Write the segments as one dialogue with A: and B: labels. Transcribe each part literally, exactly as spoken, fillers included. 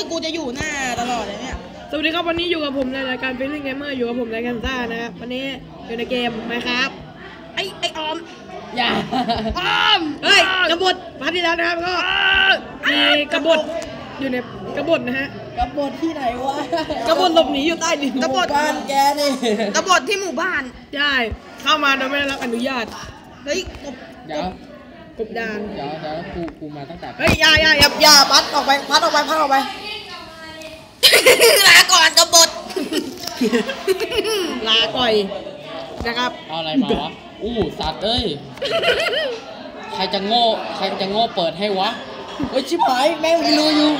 A: สึกกูจะอยู่หน้าตลอดเลยเนี่ย
B: สวัสดีครับวันนี้อยู่กับผมในรายการเป็นเรื่องเกมเมอร์อยู่กับผมในกันซ่านะครับวันนี้อยู่ในเกมไหมครับ
A: ไอ้ไอ้ออม
B: อย่าออมเฮ้ยกบฏพาร์ทที่แล้วนะครับก็มีกบฏอยู่ในกบฏนะฮะ
C: กบฏที่ไหนวะ
B: กบฏหลบหนีอยู่ใต้ดิน
A: กบฏ
C: บ้านแกนี่
A: กบฏที่หมู่บ้าน
B: ใช่เข้ามาโดยไม่ได้รับอนุญาต
A: เฮ้ยกบ
D: เดี๋ยว
B: กบดาน
D: เดี๋ยวเดี๋ยวกูกูมาตั้งแต่
B: เฮ้ยอย่าอย่าอย่าอย่าพัดออกไปพัดออกไปพัดออกไป
A: ลาก่อนกบฏ
B: ลาก่อยนะครับ
D: เอาอะไรมาวะอู้สัตว์เอ้ยใครจะโง่ใครจะโง่เปิดให้วะ
C: เฮ้ยชิบหายแม่งมีรูอยู่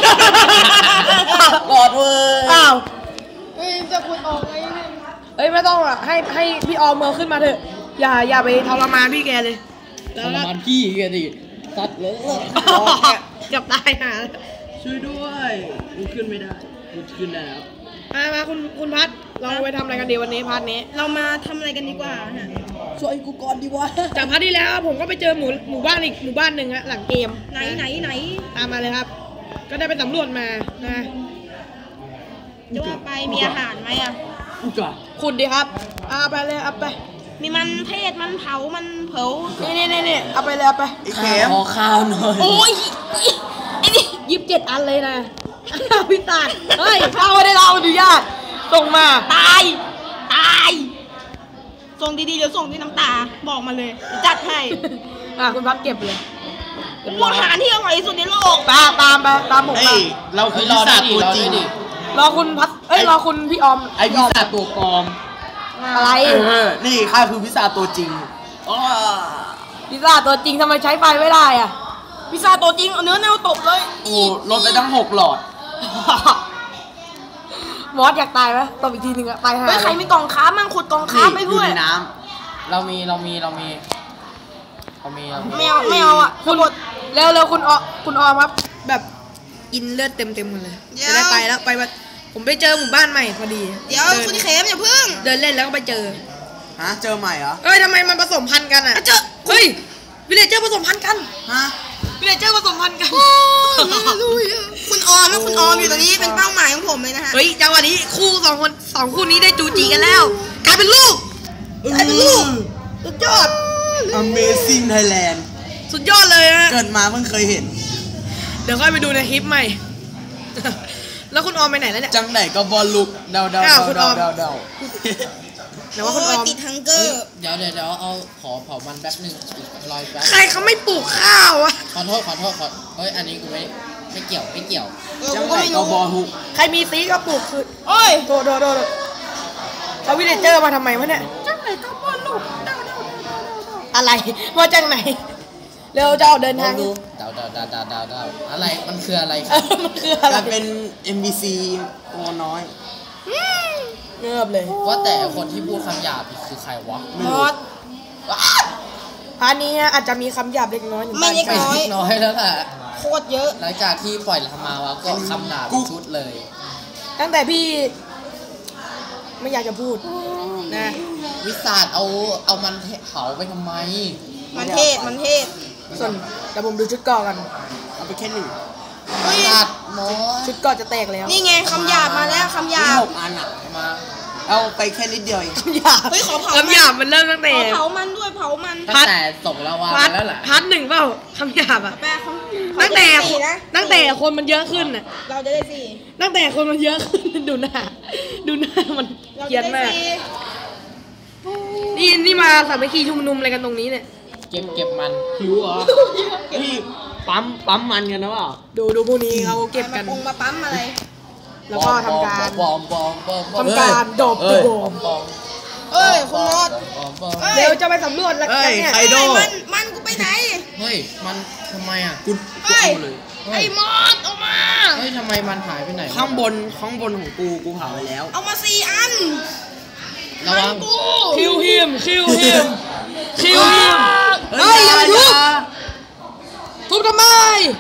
C: กอดเว้ย
B: อ้าว
A: เฮ้ยจะขุดออกไงเนี่ย
B: เอ้ยไม่ต้องอ่ะให้ให้พี่ออมเมอร์ขึ้นมาเถอะอย่าอย่าไปทรมานพี่แกเลย
D: ทรมานพี่แกดิสัตว์เลย
B: เกือบตายหา
C: ช่วยด้วยกูขึ้นไม่ได้กูขึ้นได้แล้ว
B: มามาคุณคุณพัดเราไปทำอะไรกันดีวันนี้พัดนี้
A: เรามาทำอะไรกันดีกว่าฮะ
C: ช่วยกูก่อนดีวะ
B: จากพัดที่แล้วผมก็ไปเจอหมู่หมู่บ้านอีกหมู่บ้านหนึ่งฮะหลังเกม
A: ไหนไหนไหน
B: ตามมาเลยครับก็ได้ไปสำรวจมานะ
A: จะว่าไปมีอาหารไหมอ่ะ
B: ขุดดีครับเอาไปเลยเอาไป
A: มีมันเทศมันเผามันเผา
B: นี่นี่นี่นี่เอาไปเลยเอาไป
C: ไอ้แขมขอข้าวหน่อย
A: โอ้ย
B: ไอ้นี่ยิบเจ็ดอันเลยนะพี่ตาเฮ้ยข้าวไม่ได้เราอนุญาตส่งมา
A: ตายตายส่งดีๆเดี๋ยวส่งที่น้ำตาบอกมาเลยจัดให้
B: อ่ะคุณพัดเก็บเลย
A: อาหารที่อร่อยที่สุดในโลก
B: ตามตามไปตามผมมา
C: เราคือรอได้ตัวจริง
B: รอคุณพัดเอ้ยรอคุณพี่ออม
C: ไอพิซซ่าตัวปลอม
B: อะไร
C: นี่ข้าคือพิซซ่าตัวจริง
B: พิซซ่าตัวจริงทำไมใช้ไฟไม่ได้อ่ะ
A: พิซซ่าตัวจริงเนื้อแนวตบเลย
C: โอ้ลดไปตั้งหกหลอด
B: มอสอยากตายไหมตบอีกทีหนึ่งอะตายห่า
A: ใครมีกล่องค้ามั่งขุดกล่องค้าไปด้วย
C: ในน้
D: ำเรามีเรามีเรามีเรามี
A: ไม่เอาไม่เอาอ่ะ
B: คุณเร็วเร็วคุณอคุณออมครับแบบกินเลือดเต็มเต็มหมดเลยจะได้ไปแล้วไปผมไปเจอหมู่บ้านใหม่พอดี
A: เดี๋ยวคุณเขมอย่าพึ่ง
B: เดินเล่นแล้วก็ไปเจอ
C: ฮะเจอใหม่เหรอ
B: เอ้ยทำไมมันผสมพันธุ์กันอ่ะเจอเฮ้ยวิลเลจเจอร์ผสมพันธุ์กัน
C: ฮะ
B: วิลเลจเจอร์ผสมพันธุ์กัน
A: คุณออมแล้วคุณออมอยู่ตรงนี้เป็นเป้าหมายของผมเลยนะฮะ
B: เฮ้ยจังหวะนี้คู่สองคนสองคู่นี้ได้จูจีกันแล้วกลายเป็นลูกกลายเป็นลูกสุดยอด
C: Amazing Thailand
B: สุดยอดเลยฮะ
C: เกิดมาเพิ่งเคยเห็น
B: เดี๋ยวค่อยไปดูในคลิปใหม่แล้วคุณออมไปไหนแล้วเนี่ย
C: จังไหนก็บอลลูกเดาเดาเดาเดาเดาเดา
A: เดี๋ยวว่าคุณออมติดทังเกอร์
D: เดี๋ยวเดี๋ยวเดี๋ยวเอาขอเผามันแป๊บนึงรอยแป๊บ
B: ใครเขาไม่ปลูกข้าวอะ
D: ขอโทษขอโทษขอเฮ้ยอันนี้กูไม่ไม่เกี่ยวไม่เกี่ยว
C: จังไหนก็บอลลูก
B: ใครมีซีก็ปลูกคือโอ้ยโดดโดดโดดเอาวิลเลจเจอร์มาทำไมวะเนี่ย
A: จังไหนก็บอลลูกเดาเดาเดาเดา
B: อะไรว่าจังไหนเร็วจะออกเดินทาง
D: ดูเดาเดาเดาเดาเดาเดาอะไรมันคืออะไร
B: มันคืออะไร
C: เป็น เอ็ม บี ซี ตัวน้อย
B: เงียบเลย
D: ว่าแต่คนที่พูดคำหยาบคือใครวะ
B: มอสพานี้อาจจะมีคำหยาบเล็กน้อย
A: ไม่เล็กน้อย
D: น้อยแล้วแหละ
A: โคตรเยอะ
D: หลังจากที่ปล่อยธรรมาวะก็คำหยาบชุดเลย
B: ตั้งแต่พี่ไม่อยากจะพูดนะ
D: วิสาดเอาเอามันเผาไปทำไม
A: มันเทศมันเทศ
B: ส่วนแต่ผมดูชุดก่อกัน
C: เอาไปแค่หนึ่ง
D: ตัดหมอ
B: ชุดก่อจะแตกแล้ว
A: นี่ไงคำหยาบมาแล้วคำหยาบ
C: หกอันอ่ะมาเอาไปแค่นิดเดียวเอง
B: คำหยาบ
A: เฮ้ยขอเผา
B: คำหยาบมันเริ่มตั้งแต่
A: เผามันด้วยเผามัน
D: ตั้งแต่ส่งแล้ววะแล้วแหละ
B: พัดหนึ่งเปล่าคำหยาบอ่ะตั้งแต่ตั้งแต่คนมันเยอะขึ้นอ่ะ
A: เราจะได้สี่
B: ตั้งแต่คนมันเยอะขึ้นดูหน้าดูหน้ามันเกลียดมากนี่นี่มาสามัคคีชุมนุมอะไรกันตรงนี้เนี่ย
D: เก็บเก็บมัน
C: หิวเหรอนี่ปั๊มปั๊มมันกันนะว่า
B: ดูดูพวกนี้เขาเก็บกัน
A: มาปั๊มอะไร
B: แล้วก็ทำการ
D: บอมบอมบอม
B: ทำการดบตัวบอม
A: เอ้ยคุณมอส
B: เดี๋ยวจะไปสำรวจแล้วกันเนี่ย
C: ไคโด
A: มันมันกูไปไหน
D: เฮ้ยมันทำไมอ่ะ
C: กู
A: เฮ้ยไอ้มอสออกมา
D: เฮ้ยทำไมมันหายไปไหน
C: ข้างบนข้างบนของกูกูเผาไปแล้ว
A: เอามาสี่อัน
D: ระวัง
B: คิวฮิมคิวฮิมคิวฮิมเฮ้ยอย่าทุบทุบทำไม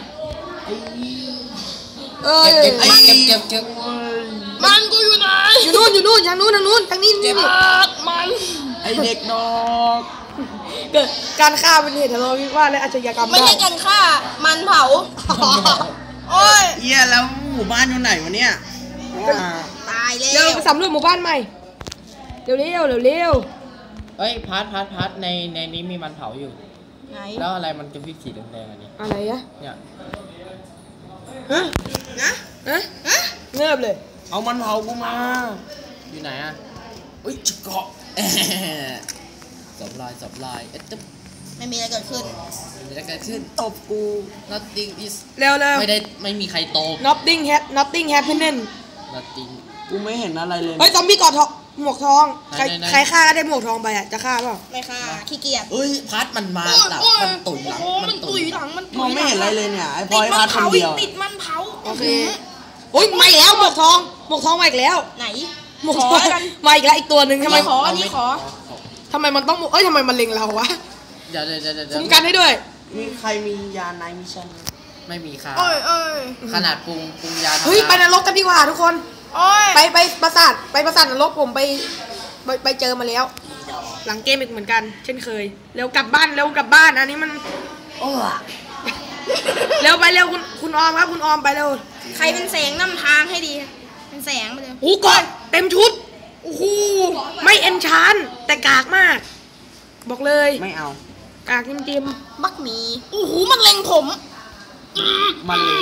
D: เอ้ยเก็บเก็บเก็บเก็บ
A: มันกูอยู่ไหน
B: อยู่นู่นอยู่นู่นทางนู้นทางนู้นทางนี้นี่
A: มัน
C: ไอเด็กดอก
B: เกิดการฆ่าเป็นเหตุทะเลาะวิวาทและอาชญากรรม
A: ไม่ใช่การฆ่ามันเผาโอ้ย
C: เหี้ยแล้วหมู่บ้านอยู่ไหนวะเนี่ยอ่า
A: ตายแล้
B: เร็ว
A: ว
B: ไปสำรวจหมู่บ้านใหม่เร็วเร็วเร็วเร็ว
D: เอ้ยพัดพัดพัดในในนี้มีมันเผาอยู่
A: ไหน
D: แล้วอะไรมันจะพี่สีแดงๆอันนี้
B: อะไรอะ
D: เนี่ย
B: ฮะ
A: นะ
B: ฮะเงียบเลย
C: เอามันเผากูมา
D: อยู่ไหนอ่ะอุ้ยจะเกาะสบลายสบลายเอ๊ะจะ
A: ไม่มีอะไรเกิดขึ้น
D: มีอะไรเกิดขึ้นตบกู nothing is
B: เร็วเร็ว
D: ไม่ได้ไม่มีใครโต
B: nothing ha nothing happening
D: nothing
C: กูไม่เห็นอะไรเลย
B: เฮ้ยซอมบี้กอดทองหมวกทองใคร
D: ไหนไหน
B: ใครฆ่าได้หมวกทองไปอ่ะจะฆ่าเปล่า
A: ไม่ค่ะขี้เกียจ
D: เอ้ยพัดมันมาหลังมันตุ่ยหลัง
A: โอ้
D: มั
A: มัน น
D: ตุ่
A: ตุ
D: ย
A: ยหลังมัน
C: มองไม่เห็นอะไรเลยเนี่ยไอ้พ
A: ติ
C: อ
A: ด
C: ย
A: มั
C: พัด
A: น
C: คน
A: เผา
C: เดียว
A: ติดมันเผา
B: โอเคโอ้ยมาอีกแล้วหมวกทองหมวกทองมาอีกแล้ว
A: ไหน
B: หมวก
A: ข
B: ท
A: อ
B: อง
A: กัน
B: มาอีกแล้วอีกตัวหนึ่งทำไม
A: ขออันนี้ขอ
B: ทำไมมันต้องเอ้ยทำไมมันเล็งเราวะ
D: เดี๋ยวเดี๋ยวเดี๋ยวเดี๋ยว
B: คุ้มกันให้ด้วย
C: มีใครมียาไนมิชั่น
D: ไม่มีค่ะ
A: โอ้ยเอ้ย
D: ขนาดปรุงปรุงยา
B: เฮ้ยไปนรกกันดีกว่าทุกคน
A: โอ้ย
B: ไปไปปราสาทไปปราสาทนรกผมไปไปไปเจอมาแล้ว หลังเกมอีกเหมือนกัน เช่นเคยเร็วกลับบ้านเร็วกลับบ้านอันนี้มัน
C: โอ้
B: เร็วไปเร็วคุณคุณออมครับคุณออมไปเร็ว
A: ใครเป็นแสงนำทางให้ดี เป็นแสงไปเลย
B: โอ้ก่อนเต็มชุดโอ้โหไม่เอนชานแต่กากมาก บอกเลย
C: ไม่เอา
B: กากจริม
A: บักหมีโอ้โหมันเล็งผม
C: มันเลย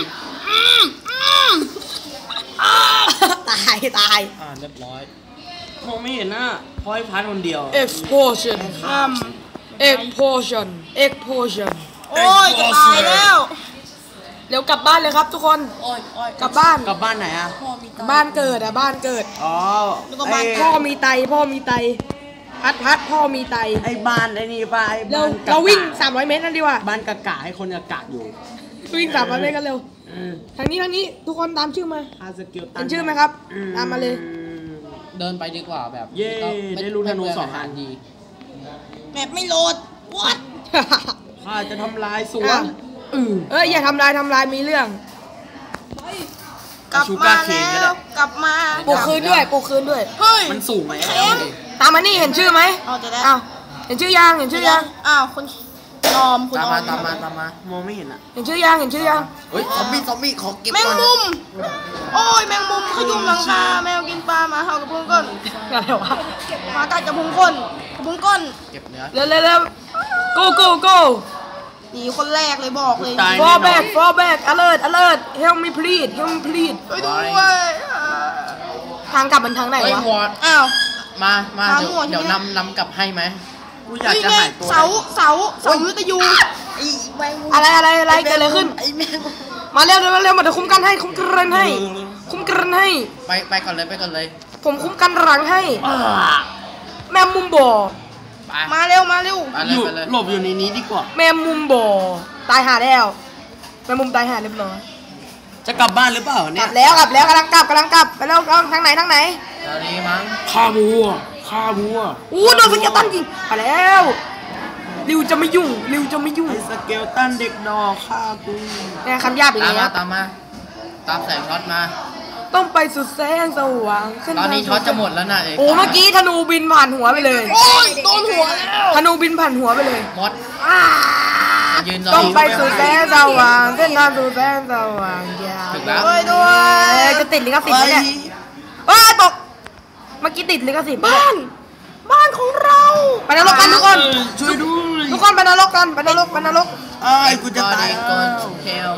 B: ๆ ตายตาย
D: อ่าเรียบร้อย
C: มองไม่เห็นหน้าพอยพัดคนเดียว
B: explosion
A: อืม
B: explosion explosion
A: โอ้ยจะตายแล้ว
B: เร็วกลับบ้านเลยครับทุกคน
D: โอ้ยโอ้ย
B: กลับบ้าน
C: กลับบ้านไหนอ่ะ
B: บ้านเกิดอะบ้านเกิด
C: อ๋อ
A: แล้วก็บ้าน
C: ไอ้
B: พ่อมีไตพ่อมีไตพัดพัดพ่อมีไต
C: ไอ้บ้านไอ้นี่ป่ะไอ้
B: เรา
C: บ้านกะ
B: เราวิ่ง
C: กะ
B: สามร้อยเมตรนั่นดีกว่า
C: บ้านกะกะให้คนกะกะอยู่
B: วิ่งสามร้อยเมตรกันเร็ว
C: เออ
B: ทางนี้ทางนี้ทุกคนตามชื่อมา
C: คาสกิลตัน
B: เห็นชื่อไหมครับตามมาเลย
D: เดินไปดีกว่าแบบ
C: เย้
D: ก็ม่
C: ได้รู้ธนู
D: ไม่เปลื
C: สองอัน
D: ดี
A: แมปไม่โหลดวัด
C: ข้าจะทำลายสว
B: อ่ะ
C: นอือ
B: เอ้ยอย่าทำลายทำลายมีเรื่อง
A: กลับ
C: ชู
A: มา
C: การ์เคนก็
A: แล้
C: ได้
A: วกลับมา
B: ปลุกคืนด้วยปลุกคืนด้วย
A: เฮ้ย
C: มันสูงไหม
A: แข็ง
B: ตามมานี่เห็นชื่อไหม
A: เอาจะได้
B: อ้าวเห็นชื่อยังเห็นชื่อยัง
A: อ้าวคุณยอมคุณ
D: ตาม
A: ยอ
D: มาม ตามมาตามมา
C: มองไม่เห็นอ่ะ
B: เห็นชื่อยังเห็นชื่อยัง
D: เฮ้ยซอมบี้ซอมบี้ขอเก็บ
A: แมง
D: ก่อน
A: มุม โอ้ยแมงมุมขยุ่มหลังคาแมวกินปลาหมาเห่ากับพุงก้น
B: อะไรวะ
A: หมากัดกับพุงก้นกับพุงก้น
D: เก็บเนื้อ
B: เร็วเร็วเร็ว go go go
A: หนีคนแรกเลยบอกเลย
C: ตาย
B: fall back fall back alert alert help me please help me please
A: ไปด้วย
B: ทางกลับมันทางไหน
D: เฮ้ยว
B: ะ
D: วอด
A: อ้าว
D: มามา
A: ตาม
D: เดี๋ยว
A: หมวดใช่ไหม
D: เดี๋ยวนำนำกลับให้ไหม
C: กูอยาก
A: เฮ้ย
C: จะ
A: แม่
C: หายตัว
A: เสาเสาเสาวิทยุ
B: อะไรอะไรอะไรเกิดอะไรขึ้น มาเร็วเร็วเร็วมาเดี๋ยวคุ้มกันให้คุ้มกันให้ คุ้มกันให้
D: ไปไปก่อนเลยไปก่อนเลย
B: ผมคุ้มกันหลังให้
C: อ่า
B: แม่มุมบ่อ
D: ไป
A: มาเร็วมาเร็ว
D: ไป
C: อ
D: เลย
C: ยู่
D: ไปเลย
C: หลบอยู่ในนี้ดีกว่า
B: แม่มุมบ่อตายหาแล้วแม่มุมตายหาเรียบร้อย
C: จะกลับบ้านหรือเปล่าก
B: ลั
C: เนี่ย
B: บแล้วกลับแล้วกำลังกลับกำลังกลับไปแล้วเอาทางไหนทางไหน
D: ตอนนี้มั้ง
C: ฆ่าวัวฆ่าวัว
B: อู้โดนสเกลตันยิงไปแล้วริวจะไม่ยุ่งริวจะไม่ยุ่ง
C: ไอ้สเกลตันเด็กดอกฆ่ากู
B: เนี่ยคำหยาบอีก
D: ตาม
B: แล้
D: มาว ตามมาตามแสงช็อตมา
B: ต้องไปสุดแสงสว่างเส้
D: ตอนนี้
B: ทาง
D: ช็อตจะหมดแล้วนะเอก
B: โอ้เมื่อกี้ธนูบินผ่านหัวไปเลย
A: โอ้ยโดนหัวแล้ว
B: ธนูบินผ่านหัวไปเลย
D: มดมายืนรอ
B: ต้องไปสู่แสงสว่างเส้นทางสู่แสงสว่างยาว
D: ถึงแล้ว
A: ด้วยด้ว
B: เอ้
A: ย
B: ยจะติดลิขสิทธิ์ไหมเนี่ยเอ้ยตกเมื่อกี้ติดลิขสิทธิ์บ้าน
A: บ้านของเรา
B: ไปนรกกันทุกคน
C: ช่วยด้วย
B: ทุกคนไปนรกกันไปนรกไปนรก
C: ไอ้ยกูจะตาย
D: Everybody
C: แล้ว
D: go to hell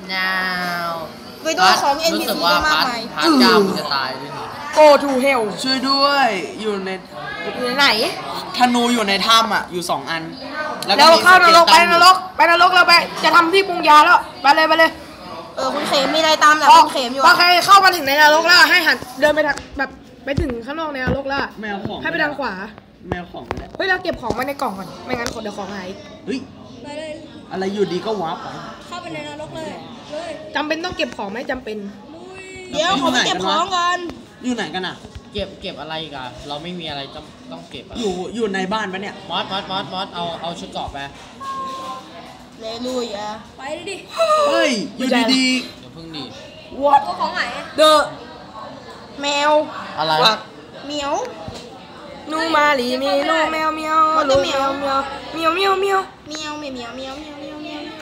D: now
A: ด้วยด้วยของ เอ็น พี
D: รู้สึก
A: ซี
D: ว่า
A: ก็มาก
D: พาร์ท
A: มาย
D: พาร์ทเก้ามันจะตายด้วยนี่
B: go to hell
C: ช่วยด้วยอยู่ใน
B: อยู่ไหน
C: ธนูอยู่ในถ้ำอ่ะอยู่สองอัน
B: แล้ว
C: มี
B: เข้านรก
C: ส
B: ไป
C: เต
B: นรกไปนรกเราไปจะทำที่ปรุงยาแล้วไปเลยไปเลย
A: เออคุณเขมมีอะไรตามหลัง
B: พอ
A: คุณเขมอยู่
B: พอ
A: อะ
B: ใครเข้ามาถึงในนรกแล้วให้หันเดินไปทางแบบไปถึงข้างนอกในนรกแล้ว
C: แมวของ
B: ให้ไปทางขวา
C: แมวของไม่ได้
B: เฮ้ยเราเก็บของไว้ในกล่องก่อนไม่งั้นคนเดี๋ยวของหาย
C: เฮ้ยอะไรอยู่ดีก็วาร์ปไป
B: จำเป็นต้องเก็บของไหมจำเป็น
A: เดี๋ยวขอไปเก็บของกัน
C: อยู่ไหนกันอ่ะ
D: เก็บเก็บอะไรอีกันเราไม่มีอะไรต้องต้องเก็บอะ
C: อยู่อยู่ในบ้านปะเนี่ย
D: มอสมอสมอสมอสเอาเอาชุดเกราะไป
A: เลลุยอะ
C: เฮ้ยอยู่ดี
D: เดี๋ยวเพิ่งดี
B: วอตเดอะ
A: แมว
D: อะไร
A: เหมียว
B: นูมาลีมีนูแมวเมียว
A: มัน
B: ลู
A: จะ
B: ก
A: เหมี
B: แม
A: ยว
B: วเมียวเมียวเมียวเมียว
A: เมียวเหมียวเหมียวเหมียวเหมียวเหมียวเหมียว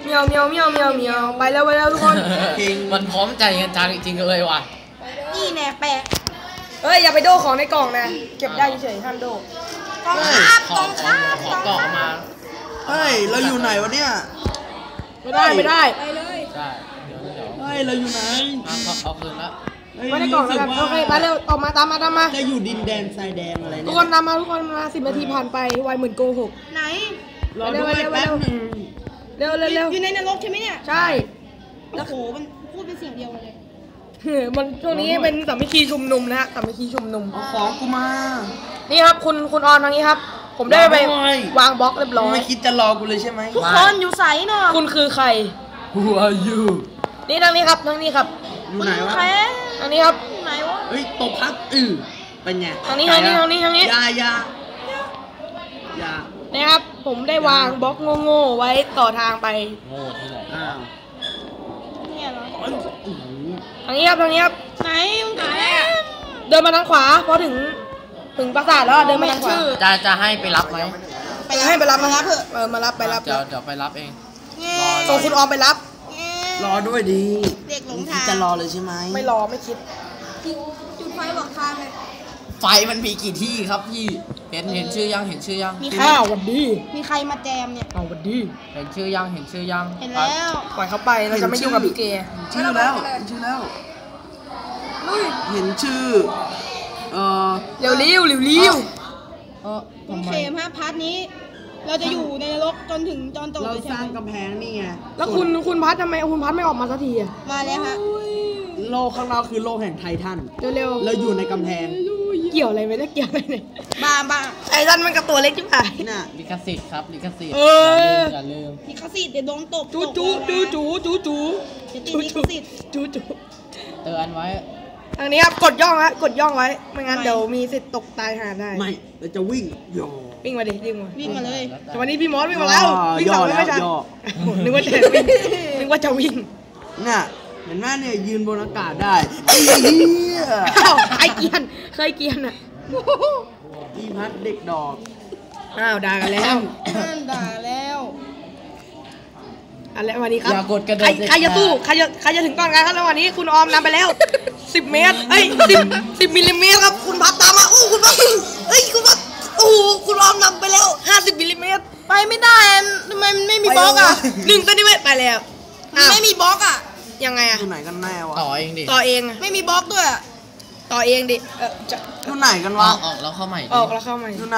B: เมียวเมียวเมียวเมียวเมียวไปแล้วไปแล้วทุกคน
D: มันพร้อมใจกันจังจริงๆเลยว่ะ
A: นี่แน่แปะ
B: เฮ้ยอย่าไปโดของในกล่องนะเก็บได้เฉยๆห้ามโด
A: กองทัพ
D: ขอก
A: อง
D: ขอ
A: ทัพ
D: ขอกล่องมา
C: เฮ้ยเราอยู่ไหนวะเนี่ย
B: ไม่ได้ไม่ได้
A: ไปเลย
D: ใช่เดี๋ยวเดี๋ยว
C: เฮ้ยเราอยู่ไหน
D: เอาเอาเอาคืนละ
C: เฮ้ย
B: ไม่ได้กล่องแล้วกัน
C: รู้สึ
B: โอเคไปเร็วออกมาตามมาตามมา
C: จะอยู่ดินแดนทรายแดงอะไร
B: ทุ
C: เนี่
B: ก
C: ย
B: คนตามมาทุกคนมาสิบนาทีผ่านไปไวเหมือนโกหก
A: ไหน
C: รอด้วย
B: เร็วๆ
C: แป๊บหนึง
B: เร็วเร็วเร็ว
A: อยู่ในนรกใช่ไหมเนี่ย
B: ใช่
A: โอ้โหมันพูดเป็นเสียงเดียวกันเลย
B: มันช่วงนี้เป็นสามัคคีชุมนุมนะฮะสามัคคีชุมนุม
C: เอาของกูมา
B: นี่ครับคุณคุณออนทางนี้ครับ ผมได้ไป
C: รอด้วย
B: วางบล็อกเรียบร้อย
C: ไม่คิดจะรอกูเลยใช่ไหม
A: ทุกคนอยู่ใสเนาะ
B: คุณคือใคร
D: Who are you
B: นี่ทางนี้ครับทางนี้ครับ
C: อยู่ไหนวะ
A: แค่
B: ทางนี้ครับ
A: ไหนวะ
C: เฮ้ยตบพักอือเป็นไง
B: ทางนี้ทางนี้ทางนี้ทางนี้
C: อยาอยาอยา
B: นี่ครับ ผมได้วางบล็อกโง่ๆไว้ต่อทางไป
D: โง่ที่ไหน
C: อ้าว
A: เนี่ยเหรอ
C: อื้อหือ
B: ทางนี้ครับทางนี้ครับ
A: ไหนมึงไหนอะ
B: เดินมาทางขวาพอถึงถึงปราสาทแล้วอะเดินมาทางขวา
D: จะจะให้ไปรับไหม
B: ไปให้ไปรับมารับเถอะเออมารับไปรับ
D: เดี๋ยวเดี๋ยวไปรับเอง
A: แง่
B: ส่งคุณออมไปรับ
A: แง่
C: รอด้วยดี
A: เด็กหลง
C: คิ
A: ทา
C: ด
A: ง
C: จะรอเลยใช่ไหม
B: ไม่รอไม่คิด
A: จุดไฟบอกทางเลย
D: ไฟมันมีกี่ที่ครับพี่เห็นเห็นชื่อยังเห็นชื่อยัง
A: มีใคร
B: ข้าววันดี
A: มีใครมาแจมเนี่ย
B: เอาวันดี
D: เห็นชื่อยังเห็นชื่อยัง
A: เห็นแล้ว
B: ปล่อยเขาไปเราจะไม่ยุ่งกับพี่เกย์
C: ชื่อแล้วเห็นชื่อแล้วเห็นชื่อเอ่อ
B: เร็วเร็วเร็วเร็ว
D: เออ
A: คุณ
D: ทำไม
A: เขมฮะพาร์ทนี้ เราจะอยู่ในนรกจนถึงจอนจบ
C: เรา
A: เลย
C: ส
A: ใช่
C: ร้าง
A: ไหม
C: กำแพงนี่ไง
B: แล้วคุณคุณพัดทำไมคุณพัดไม่ออกมาสักทีอะ
A: มาแล้วฮะ
C: โลกข้างนอกคือโลกแห่งไททัน
B: เร็วเร็ว
C: เราอยู่ในกำแพง
B: เกี่ยวอะไรไม่ได้เกี่ยวอะไรเลย
A: บ้าบ้า
B: ไอ้ท่านมันกับตัวเล็กจิ๋วหาย
C: น่ะ
D: ลิขสิทธิ์ครับลิขสิทธิ์
B: เออ
D: อย่าลืม
A: ลิขสิทธิ์เดี๋ยวโดนตบ
B: จู
A: ต
B: จู
A: บ
B: จูจูจูจู
A: เดี๋ยวติดลิขสิทธิ์
B: จูจู
D: เตือนไว้
B: ทางนี้ครับกดย่องฮะกดย่องไว้ไม่งั้นเดี๋ยวมีสิทธิ์ตกตายหาได้
C: ไม่เราจะวิ่งโย
B: วิ่งมาดิวิ่งมา
A: วิ่งมาเลย
B: แต่วันนี้พี่มอสวิ่งมาแล้ววิ่ง
C: ย่อ
B: สอง
C: แล้ว
B: ไม่ทัน
C: ย่อ
B: นึกว่าจะวิ่งนึกว่าจะวิ่ง
C: น่ะเห็นไหมเนี่ยยืนบนอากาศได้ไอ้เหี้ย
B: อ้าวไอเกียนเคยเกียนอ่ะ
C: อีพัดเด็กดอก
B: อ้าวด่ากันแล้ว
A: นั่นด่าแล้ว
B: อันแล้ววันนี้ครับ
D: อย่ากดกระโดด
B: ใคร
D: เด็ด
B: ใครจะ
D: ขาด
B: สู้ใครจะใครจะถึงก่อนกันครับแล้ววันนี้คุณออมนำไปแล้วสิบเมตรเอ้ยสิบสิบมิลลิเมตรครับคุณพัดตามมาโอ้คุณพัดเอ้ยคุณพัดโอ้คุณออมนำไปแล้วห้าสิบมิลลิเมตร
A: ไปไม่ได้อะทำไมมันไม่มีบล็อกอ่ะ
B: หนึ่งเซนติเมตรไปแล้ว
A: มัน
B: อ้าว
A: ไม่มีบล็อกอ่ะ
B: ยังไงอะ
C: อยู่ไหนกันแน่วะ
D: ต่อเองดิ
B: ต่อเองอะ
A: ไม่มีบล็อกด้วยอะ
B: ต่อเองดิเออจะ
C: อยู่ไหนกัน
D: อ
C: วะ
D: อกออกแล้วเข้าใหม่ดิ
B: ออกแล้วเข้ามา
C: อยู่ไหน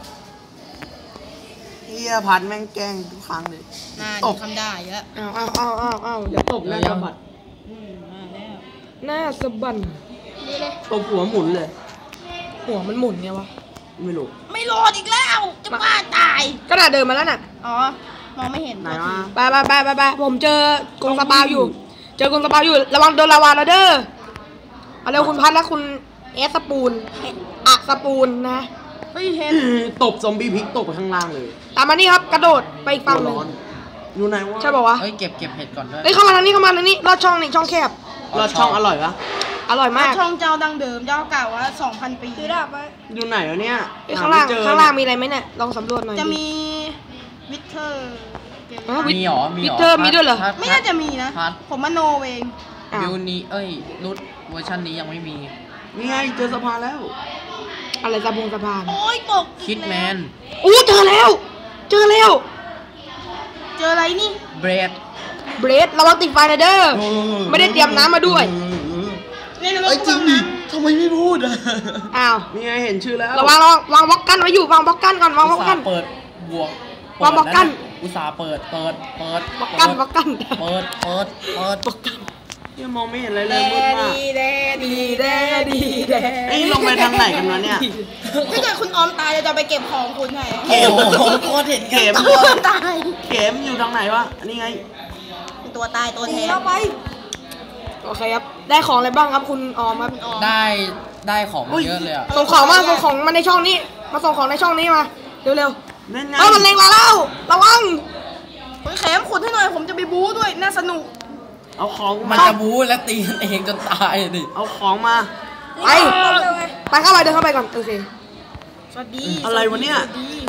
C: เฮียพัดแม่งแกล้งทุกครั้งเลย
A: น่า
C: ต
A: จะ
C: บ
A: ทำได้เยอะ
B: อ้าวอ้าวอ้าวอ้าวอ้าวเดี๋ยว
C: ตบหน้าสะบัด
A: อืมมาแล้ว
B: หน้าสะบัน
A: นี่เลย
C: ตบหัวหมุนเลย
B: หัวมันหมุนไงวะ
C: ไม่รู้
A: ไม่รอดอีกแล้ว จะบ้าตาย
B: ก็น่าเดินมาแล้วน่ะ
A: อ๋อ มองไม่เห็น
C: ไหนวะ
B: ไปไปไปไปไปผมเจอกรงสปาอยู่ เจอกรงสปาอยู่ ระวังโดนลาวาแล้วเด้อ เอาเร็วคุณพัดและคุณเอสสปูนอะสปูนนะ
A: เฮ้ยเห็น
C: ตบซอมบี้พลิกตกไปข้างล่างเลย
B: ตามมานี่ครับ กระโดดไปอีกฝั่งหนึ่ง
C: ร้อนอยู่ไหนวะ
B: ใช่ป่าวะ
D: เฮ้ยเก็บเก็บเห็ดก่อนด้วย
B: เฮ้ยเข้ามาทางนี้เข้ามาทางนี้ลอดช่องนี่ช่องแคบ
C: รอดช่องอร่อยปะ
B: อร่อยมาก
A: ช่องเจ้าดังเดิม เจ้าเก่าว่าสองพันปีคือดาบ
C: อยู่ไหนวะเนี่ย
B: เฮ้ยข้างล่าง
C: หไม่เจอ
B: ข้างล่างมีอะไรไหมเนี่ย ลองสำรวจหน่อย
A: จะ
B: ดิ
A: มีวิเทอร์เกม
B: ฮะ
D: มีเหรอมี
B: วิ
D: เหรอ
B: เตอร์มีด้วยเหรอ
D: พัด
A: ไม่น่าจะมีนะ
D: พัด
A: ผมมโนเอง
B: อ้าว
D: บิวนี้เอ้ยรุ่นเวอร์ชันนี้ยังไม่มี
C: นี่ไงเจอสะพานแล้ว
B: อะไรสะพงสะพาน
A: โอ้ยตก
D: คิดแมน
B: อู้เจอแล้ว เจอแล้ว
A: เจออะไรนี่
D: เบรด
B: เบรดระวังติดไฟนะเด้อ ไม่ได้เตรียมน้ำมาด้วย
A: ในนร
C: ไอ้
A: ก
C: จริงดิทำไมไม่พูดอ่ะ
B: อ้าว
C: นี่ไงเห็นชื่อแล้ว
B: ระวังระวังวางบล็อกกันไว้อยู่วางบล็อกกันก่อนวางบล็อกกัน
D: เปิดบวก
B: วางบล็อกกั้น
D: อุตสาห์เปิดเปิดเปิด
B: บล็อกกันบล็อกกัน
D: เปิดเปิดเปิด
B: บล็อกกัน
C: ยังมองไม่เห็นอะไรเล
B: แด
C: ยมืดมาก
B: ดีแดดีแดดีแด
C: ไอ้ยลงไปทางไหนกันวะเนี่ย
A: ถ้าเกิดคุณออมตายเราจะไปเก็บของคุณให้
D: โอ้โหโคตรเห็น
C: เข็ม
A: ตาย
C: เข็มอยู่ทางไหนวะอันนี้ไง
A: เป็นตัวตายตัวแทน
B: โอเคครับ ได้ของอะไรบ้างครับคุณออมครับ
D: ได้ได้ของเยอะเลยอ่ะ
B: ส่งของมาส่งของมาในช่องนี้ มาส่งของในช่องนี้มา เร็ว
C: นั่น
B: ๆ
C: ไง
B: เอ้ยมันเล็งเราแล้ว ระวัง
A: คุณแขมขุดให้หน่อย ผมจะไปบู๊ด้วย น่าสนุก
C: เอาของ
D: มัน
C: มา
D: จะบู๊และตีกันเองจนตายดิ
C: เอาของมา
B: ไป ไปเข้าไปเดินเข้าไปก่อนโอเค
A: สวัสดี
C: อะไรวะเนี่ย
A: สสดี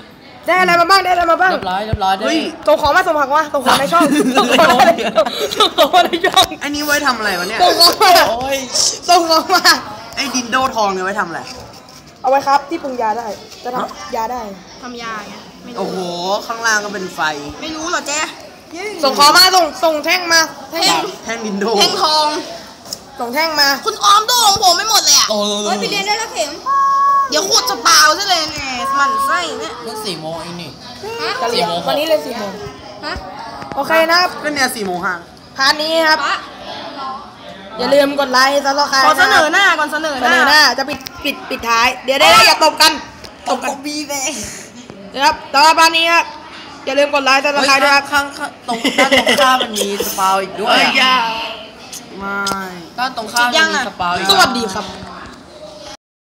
B: ได้อะไรมาบ้างได้อะไรมาบ้าง
D: เรียบร้อยเรียบร้อยได้
C: เฮ้ย
B: ส่งของมาส่งผักมาส่งของในช่องส่งของมาในช่องส่งของมาในช่อง
C: อันนี้ไว้ทำอะไรวะเนี่ย
B: ส่งของมา
D: โอ้ย
B: ส่งของมา
C: ไอ้ดินโดทองเนี่ยไว้ทำอะไร
B: เอาไว้ครับที่ปรุงยาได้จะทำยาได้
A: ทำยาไงไม่
C: โอ้
A: รู้
C: โห ข้างล่างก็เป็นไฟ
A: ไม่รู้เหรอแจ๊
B: ส่งของมาส่งส่งแท่งมาแท่ง
C: แท่งดินโด
A: แท่งทอง
B: ส่งแท่งมา
A: คุณออมโดของผมไม่หมดเลยอ่ะ
D: โอ้ย
A: เฮ้ยไปเรียนได้แล้วเข็มเดี๋ยวขุดจะเปล่าซะเลยแหมมันไส้เนี่ย
D: เพิ่งสี่โมงเองนี่
A: ฮะ
B: จะเรียน
D: สี่โมง
B: วันนี้เลยสี่โมง
A: ฮะ
B: โอเคนะครับ
C: ก็เนี่ยสี่โมงห้า
B: พาร์ทนี้ครับ
A: ปะ
B: อย่าลืมกดไลค์ซับสไครต์
A: ขอเสนอหน้าก่อนเสนอ
B: เส
A: ห
B: น
A: น้า
B: อหน้าจะปิดปิดปิดท้าย เดี๋ยวได้ได้อย่าตบกันตบกัน
C: บีเลย
B: นะครับต่อไปพาร์ทนี้ครับอย่าลืมกดไลค์ซับสไครต์ด้วยครับ
C: ข้างข้างตรงด้านตรงข้ามมันมีสปาวอีกด้วย
B: เอ้ยอย่า
C: ไม่
D: ด้านตรงข้ามยังมีสปาอีก
B: สวัสดีครับ